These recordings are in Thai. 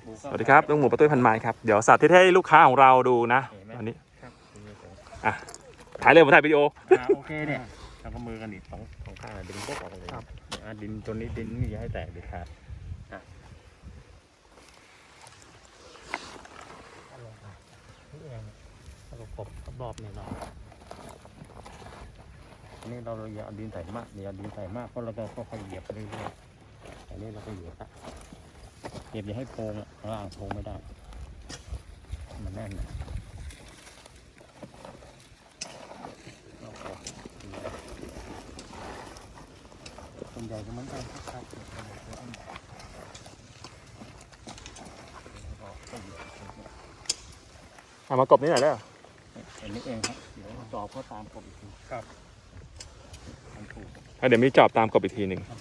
สวัสดีครับลุงหมูประตุ้ยพันไม้ครับเดี๋ยวสาธิตให้ลูกค้าของเราดูนะอันนี้อ่ะถ่ายเลยผมถ่ายวิดีโอโอเคเนี่ยทำมือกันอีกสองข้างดึงพวกออกเลยดินตัวนี้ดินนี่อย่าให้แตกเด็ดขาดนี่เองเรากบรอบเนี่ยเนาะอันนี้เราอย่าดินใส่มากอย่าดินใส่มากเพราะเราก็ค่อยๆเหยียบเรื่อยๆอันนี้เราก็เหยียบเหยียบอย่าให้โพงล่างโพงไม่ได้มันแน่นนะส่วนใหญ่ก็เหมือนกันครับมากบนี่หน่อยได้เหรออันนี้เองครับเดี๋ยวจอบก็ตามกบอีกทีครับเดี๋ยวมีจอบตามกบอีกทีหนึ่ง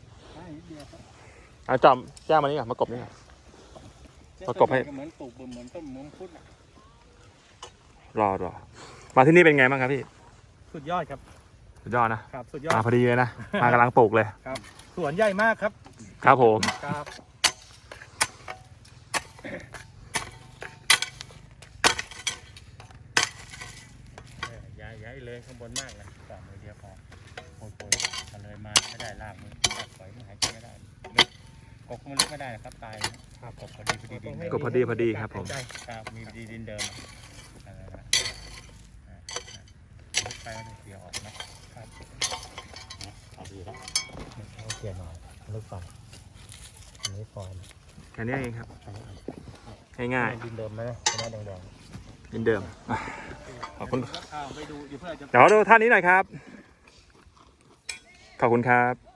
จอบแจ้งมานี่ก่อนมากบนี่ก่อนประกบให้เหมือนปลูกเหมือนต้นมุ้งพุทธรอมาที่นี่เป็นไงบ้างครับพี่สุดยอดครับสุดยอดนะครับสุดยอดมาพอดีเลยนะมากำลังปลูกเลยครับสวนใหญ่มากครับครับผมครับย้ายเลยข้างบนมากเลยต่อมือเดียวพอโผล่ๆกันเลยมาไม่ได้ลากมือตัดปล่อยมันหายใจไม่ได้กบมันลึกไม่ได้นะครับตายครับกบพอดีดินกบพอดีครับผมครับมีดินเดิมลึกไปแล้วเสียออกนะครับเอาดีแล้วเอาเสียหน่อยลึกไปอันนี้ฟอร์มแค่นี้เองครับง่ายๆดินเดิมไหมไม่ได้แดงดินเดิมขอบคุณไปดูเดี๋ยวเพื่อจะเดี๋ยวดูท่านนี้หน่อยครับขอบคุณครับ